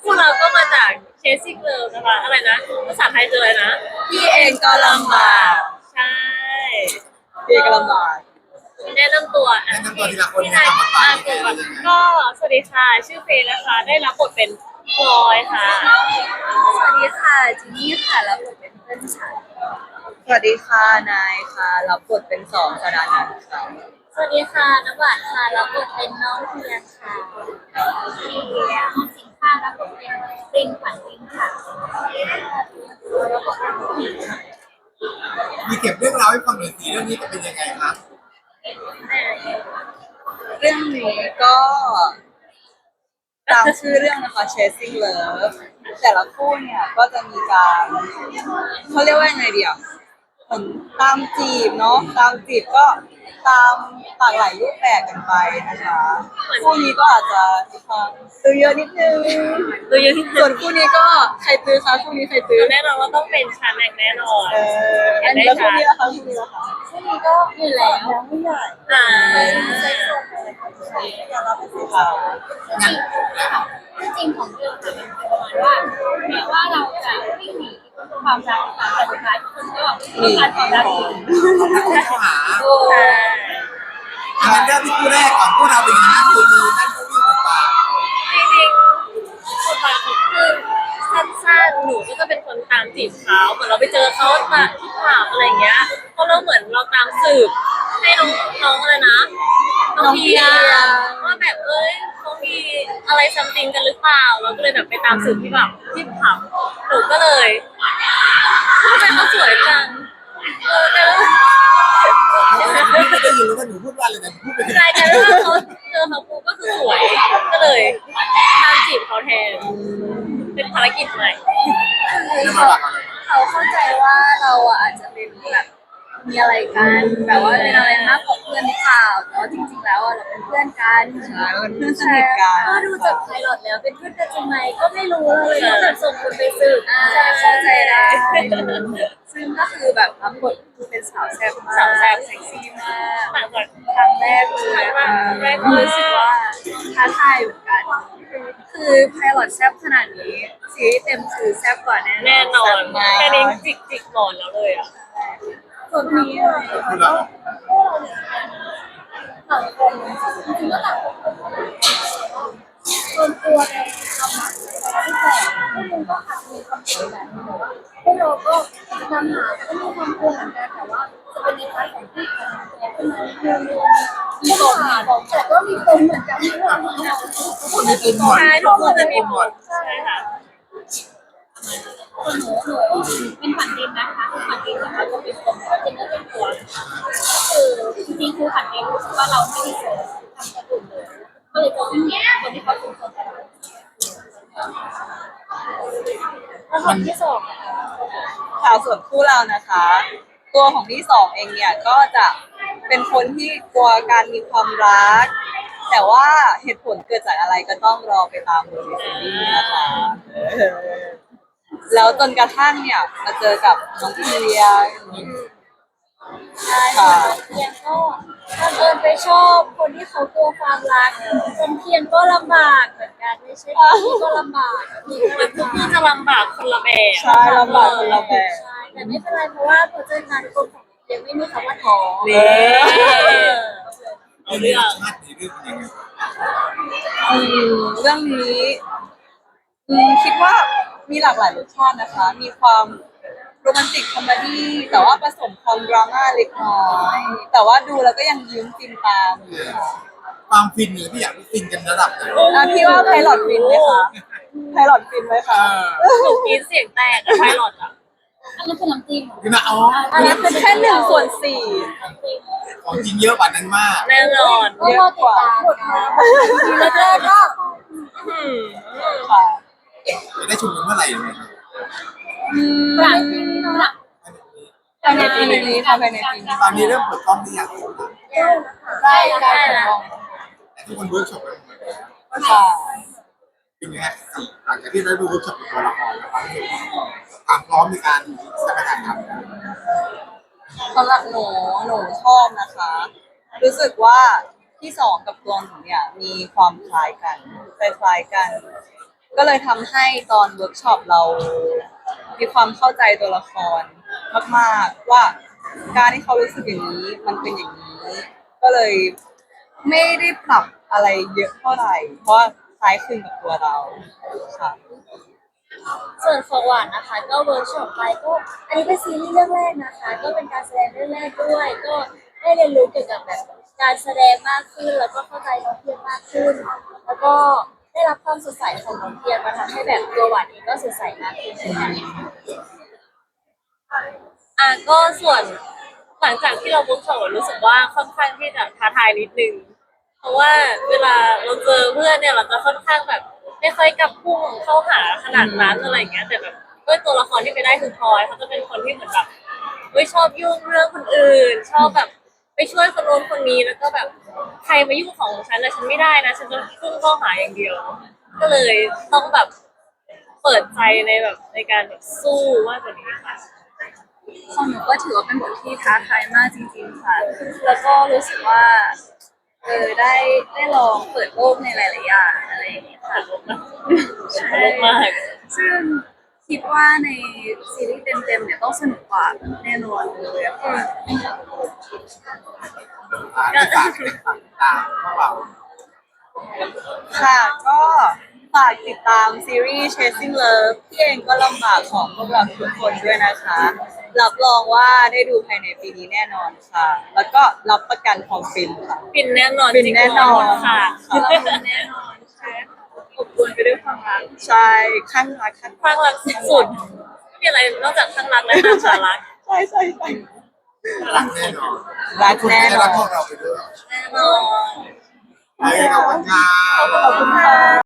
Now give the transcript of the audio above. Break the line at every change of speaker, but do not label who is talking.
พวกเราก็มาจากเคสซิ่งเลิฟนะคะอะไรนะภาษาไทยคืออะไรนะ
พี่เองก็ลำบาก
ใช่
พี่เองก็ลำบาก
แนะนำตัว
แนะนำตัวทีละคน
พี่
นะ
นาย
ครับ
ก่อนก็สวัสดีค่ะชื่อเฟย์นะคะได้รับบทเป็นพลอยค่ะ
สวัสดีค่ะจินนี่ค่ะรับบทเป็นเพื่อนฉันสวัสดีค่ะนายค่ะรับบทเป็นสองสดานันท์ค่ะ
สวัสดีค่ะน้ำหวานค่ะรับบทเป็นน้องเพียงค่ะพี่น้องสิงค่ะรับบทเป็นปรินขวัญปรินค่ะรับบทเป็นผู้หญิงค่ะ
มีเก็บเรื่องราวให้ฟังหน่อยสิเรื่องนี้จะเป็นยังไงครับ
เรื่องนี้ก็ตามชื่อเรื่องนะคะ Chasing Love แต่ละคู่เนี่ยก็จะมีการเขาเรียกว่ายังไงดีอ่ะเหมือนตามจีบเนาะตามจีบก็ตามหลากหลายรูปแบบกันไปนะคะคู่นี้ก็อาจจะมีความตื้อเยอะนิดนึง
ตัวเยอะที่
ส่วนคู่นี้ก็ใครตื้อคะคู่นี้ใครตื้อ
แน่นอนว่าต้องเป็นชาแนกแน่นอน
อันนี้แล้วคู่นี้ล่ะคะคู่นี้ล่ะคะ
ช่วงนี้ก็อยู่แล้ว
ยังไม่ใหญ่
อ่า
อย่ารับเป็นสีขาว
งั้น
จริงของเรื่องค่ะมันเป็นประมาณว่าแม้ว่าเราจะวิ่งหนีความรักแต่สุดท้ายคนก็ต้องการความรักอีก
เข้าหา
ใช่
งั้นเริ่มที่คู่แรกก่อนพวกเราเป็นยังไงคือมีนั่นก็วิ่งกันไป
จริงๆบทบาทของคือสั้นๆหนูก็จะเป็นคนตามจีบเขาเหมือนเราไปเจอเขาตามที่ผับอะไรเงี้ยเพราะเราเหมือนเราตามสืบให้น้องอะไรนะน้องเพียว่าแบบเขามีอะไรซัมติงกันหรือเปล่าเราก็เลยแบบไปตามสืบที่แบบที่ผับหนูก็เลยทำไมเขาสวยจังแต่ว่า
ไม่ได้ยินเลยว่าหนูพูดว่าอะไรแต่พูดไป
ใช่แต่ว่าเขาเจอเขาปุ๊บก็คือสวยก็เลยตามจีบเขาแทนเป็นภารกิจใหม่
เขาเข้าใจว่าเราอ่ะอาจจะเป็นแบบมีอะไรกันแบบว่าเป็นอะไรมากกว่าเพื่อนหรือเปล่าแต่ว่าจริงๆแล้วอ่ะเราเป็นเพื่อนกันใช่เป็นเพื่อนสนิทกันก็ดูจากไพลอตแล้วเป็นเพื่อนกันจริงไหมก็ไม่รู้เลยก็แบบส่งคนไปสืบใช่เข้าใจได้ซึ่งก็คือแบบรับบทเป็นสาวแซ่บมาก
สาวแซ่บ
เซ็กซี่มาก
ต่างจาก
ครั้งแรกเลย
ครั้งแรก
ก็รู้สึกว่าท้าทายเหมือนกัน คือไพลอตแซ่บขนาดนี้ซีรีส์เต็มคือแซ่บกว่าแน่
แน่นอน
แซ่บมาก
แค่นี้จิกหมอนแล้วเลยอ่ะ
ส่วนนี้อะ
พูดแล้ว
ต่างคนจริงๆก็ต่างคนส่วนตัวในทำหนังที่แต่พวกมึงก็อาจจะมีความสวยแบบนี้แต่ว่าพวกเราก็ทำหาก็มีความกลัวเหมือนกันแต่ว่าจะเป็นในพาร์ทของที่ของตัวขึ้นมามีปมแต่ก็มีปมเหมือนกันที่เราทำงาน
คนมีปุ่มหมด
ใช่ทุกคนจะมีหมดใช่ค่ะ
หนู
เป็นผันดินนะคะผันดินนะคะก็เป็นคนก็เป็นเนื้อเป็นตัวคือจริงๆคือผันดินรู้สึกว่าเราไม่ได้เจอทำกระดุมเลยก็เลยจะวิ่งหนีคนที่เขาเป็นคนกระดุมแล้วคนที่สองนะคะ
ค่ะส่วนคู่เรานะคะ ตัวของที่สองเองเนี่ยก็จะเป็นคนที่กลัวการมีความรัก แต่ว่าเหตุผลเกิดจากอะไรก็ต้องรอไปตามดูในซีรีส์นะคะแล้วจนกระทั่งเนี่ยมาเจอกับน้องเพียง
ใช่ค่ะเพียงก็บังเอิญไปชอบคนที่เขากลัวความรักจนเพียงก็ลำบากเหมือนกันไม่ใช่พี่ก็ลำบากพี่ก็ลำบากคือจะลำบากคนละแบบ
ใช่ลำบากคนละแบบ
ใช่แต่ไม่เป็นไรเพราะว่าพอเจอกันคนของเพียงไม่มีคำว่าท้อ
นี่
เอา
เรื่
เรื่
อ
อง ง
ชาติในเรื่องเป็นยังไง
เรื่องนี้คิดว่ามีหลากหลายรสชาตินะคะ มีความโรแมนติกคอมเมดี้แต่ว่าผสมความดราม่าเล็กน้อยแต่ว่าดูแล้วก็ยังยิ้มฟินตามอยู่ค่ะ
ความฟินเนี่ยพี่อยากให้ฟินกันระดับไหน
พี่ว่าไพลอตฟินไหมคะไพลอตฟินไหมคะ
หนูกรีดเสียงแตกอะไพลอตอะอันนั้นคือน้ำจิ้ม
คือนะอ๋อ
อันนั้นเป็นแค่1/4
ของจริงเยอะกว่านั้นมาก
แน่นอน
เยอะกว่าแล้วก็
อืม
ค่ะ
จะได้ชมกันเมื่อไหร่ยังไงครับ
หลังหลัง
ภายในปีนี้ค่ะภายในปีนี้
ตอนนี้เริ่มเปิดกล้องหรือยัง
ใกล้แล้ว
แต่ทุกคนเวิร์กช็อปกันหมดแล้ว
ค่ะ
เป็นไงฮะหลังจากที่ได้ดูเวิร์กช็อปกับตัวละครแล้วความพร้อมในการแสดงทำ
สำหรับหนูชอบนะคะ รู้สึกว่าที่สองกับตัวหนูเนี่ยมีความคล้ายกันคล้ายๆกันก็เลยทำให้ตอนเวิร์กช็อปเรา มีความเข้าใจตัวละครมากๆว่าการที่เขารู้สึกอย่างนี้มันเป็นอย่างนี้ ก็เลยไม่ได้ปรับอะไรเยอะเท่าไหร่ เพราะว่าคล้ายคลึงกับตัวเราค่ะ
ส่วนของหวานนะคะก็เวิร์กช็อปไปก็อันนี้เป็นซีรีส์เรื่องแรกนะคะ ก็เป็นการแสดงเรื่องแรกด้วย ก็ได้เรียนรู้เกี่ยวกับแบบการแสดงมากขึ้น แล้วก็เข้าใจน้องเพียงมากขึ้น แล้วก็ได้รับความสดใสของน้องเพียงมาทำให้แบบตัวหวานเองก็สดใสมากขึ้นเช่นกันก็ส่วนหลังจากที่เราเวิร์กช็อปรู้สึกว่าค่อนข้างที่จะท้าทายนิดนึง เพราะว่าเวลาเราเจอเพื่อนเนี่ยเราจะค่อนข้างแบบไม่ค่อยกลับพุ่งเข้าหาขนาดนั้นอะไรอย่างเงี้ยแต่แบบด้วยตัวละครที่ไปได้คือพลอยเขาจะเป็นคนที่เหมือนแบบชอบยุ่งเรื่องคนอื่น ชอบแบบไปช่วยคนโน้นคนนี้แล้วก็แบบใครมายุ่งของฉันนะฉันไม่ได้นะฉันจะพุ่งเข้าหาอย่างเดียว ก็เลยต้องแบบเปิดใจในแบบในการแบบสู้มากกว่านี้ค่ะ
ของหนูก็ถือว่าเป็นบทที่ท้าทายมากจริงๆค่ะ แล้วก็รู้สึกว่าได้ลองเปิดโลกในหลายๆอย่างอะไรอย่างเงี้ยค่ะ ใช่
มาก
ซึ่งคิดว่าในซีรีส์เต็มๆเนี่ยต้องสนุกกว่าแน่นอนเลยอะค่ะ
ในฝากตามพวกเรา
ค่ะก็ฝากติดตามซีรีส์ Chasing Love ที่เองก็ลำบากของพวกเราทุกคนด้วยนะคะ รับรองว่าได้ดูภายในปีนี้แน่นอนค่ะ แล้วก็รับประกันความฟินค่ะ
ฟินแน่นอน
ฟินแน่นอน
จริงๆค่ะ
แน่นอนใช่อบอวลไปด้วยความรัก
ใช่ข้างรักข้าง
ข้างรักสุดๆไม่มีอะไรนอกจากข้างรักและข้างสารัก
ใช่ใช่ใช่
รักแน่นอน
รักแน่นอ
รัก
น
พวกเราไปด้วย
แน่นอน
ขอบคุณค่ะ
ขอบคุณค่ะ